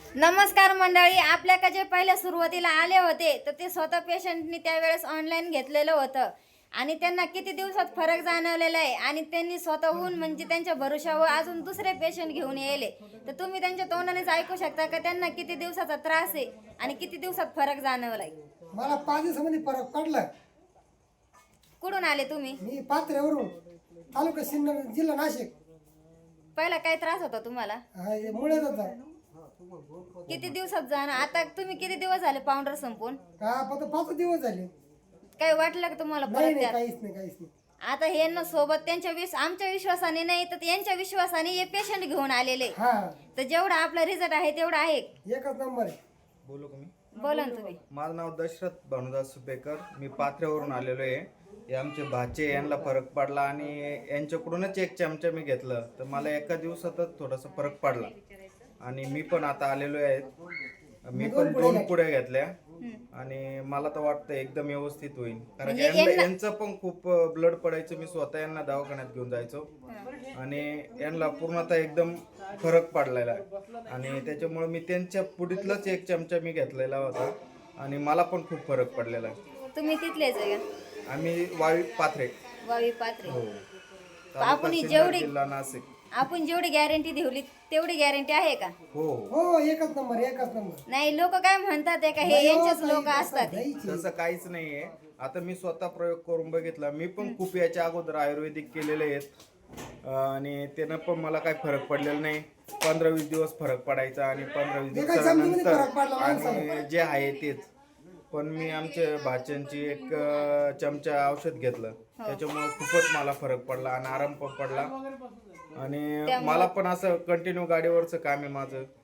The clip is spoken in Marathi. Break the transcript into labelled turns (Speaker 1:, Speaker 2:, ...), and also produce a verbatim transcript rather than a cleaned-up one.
Speaker 1: नमस्कार मंडळी, आपल्याकडे जे पहिल्या सुरुवातीला आले होते तर ते स्वतः पेशंटनी त्यावेळेस ऑनलाईन घेतलेलं होतं आणि त्यांना किती दिवसात फरक जाणवलेला आहे आणि त्यांनी स्वतःहून म्हणजे त्यांच्या भरोशावर अजून दुसरे पेशंट घेऊन यायले. तर तुम्ही त्यांच्या तोंडानेच ऐकू शकता का त्यांना किती दिवसाचा त्रास आहे आणि किती दिवसात फरक जाणवलाय.
Speaker 2: मला पाच दिवसामध्ये फरक पडला.
Speaker 1: कुठून आले तुम्ही?
Speaker 2: मी पात्र्यावरून, तालुका सिन्नर, जिल्हा नाशिक.
Speaker 1: पहिला काय त्रास होता तुम्हाला?
Speaker 2: हा, हे मुळ्यात होता.
Speaker 1: किती दिवसात जाणं? आता तुम्ही किती दिवस झाले पावडर संपून?
Speaker 2: हा, फक्त पाच दिवस झाले.
Speaker 1: काय वाटलं का तुम्हाला
Speaker 2: नाही
Speaker 1: परत
Speaker 2: नाही
Speaker 1: त्यात?
Speaker 2: काहीच नाही काहीच नाही.
Speaker 1: आता हे न सोबत त्यांच्या विश आमच्या विश्वासाने नाही तर यांच्या विश्वासाने हे पेशंट घेऊन आलेले.
Speaker 2: हा,
Speaker 1: तर जेवढा आपला रिझल्ट आहे तेवढा आहे.
Speaker 2: एकच नंबर आहे.
Speaker 3: बोलू का मी?
Speaker 1: बोला ना तुम्ही.
Speaker 3: माझं नाव दशरथ भानुदास सुपेकर. मी पाथऱ्यावरून आलेलो आहे. हे आमचे भाचे, यांना फरक पडला आणि यांच्याकडूनच एक चमचा मी घेतलं तर मला एका दिवसातच थोडासा फरक पडला आणि मी पण आता आलेलो आहे. मी पण दोन पुड्या घेतल्या आणि मला तर वाटतं एकदम व्यवस्थित होईल. कारण
Speaker 1: म्हणजे
Speaker 3: यांना-
Speaker 1: यांना-
Speaker 3: यांचं पण खूप ब्लड पडायचं. मी स्वतः यांना दवाखान्यात घेऊन जायचो आणि यांना पूर्णतः एकदम फरक पडलेला आहे आणि त्याच्यामुळे मी त्यांच्या पुढीतलाच एक चमचा मी घेतलेला होता आणि मला पण खूप फरक पडलेला आहे.
Speaker 1: तुम्ही तिथलेच आहे का?
Speaker 3: आम्ही वावी पाथरे.
Speaker 1: वावी पात्रे.
Speaker 3: हो.
Speaker 1: आपण ही
Speaker 3: तालुका
Speaker 1: जेवढी-
Speaker 3: सिन्नर, जिल्हा नाशिक.
Speaker 1: आपण जेवढी गॅरंटी ठेवली तेवढी गॅरंटी आहे का?
Speaker 3: हो हो.
Speaker 2: हो, एकच नंबर एकच नंबर.
Speaker 1: नाही, लोक काय म्हणतात आहे का हे
Speaker 2: नाही हो,
Speaker 1: यांचेच
Speaker 2: ताई,
Speaker 1: लोक
Speaker 2: तसं
Speaker 1: असतात.
Speaker 2: नाहीच आहे.
Speaker 3: तसं काहीच नाहीये. आता मी स्वतः प्रयोग करून बघितला. मी पण खूप याच्या अगोदर आयुर्वेदिक केलेले आहेत आणि त्यानं पण मला काही फरक पडलेला नाही. पंधरा वीस दिवस फरक पडायचा आणि पंधरा वीस
Speaker 2: एका चमच्यामध्ये फरक पडला
Speaker 3: दिवसानंतर
Speaker 2: माणसाला.
Speaker 3: आणि जे आहे तेच. पण मी आमच्या भाच्यांची एक अं, चमचा औषध घेतलं त्याच्यामुळे खूपच मला फरक पडला आणि आराम पण पडला आणि मला पण असं कंटिन्यू गाडीवरचं काम आहे माझं.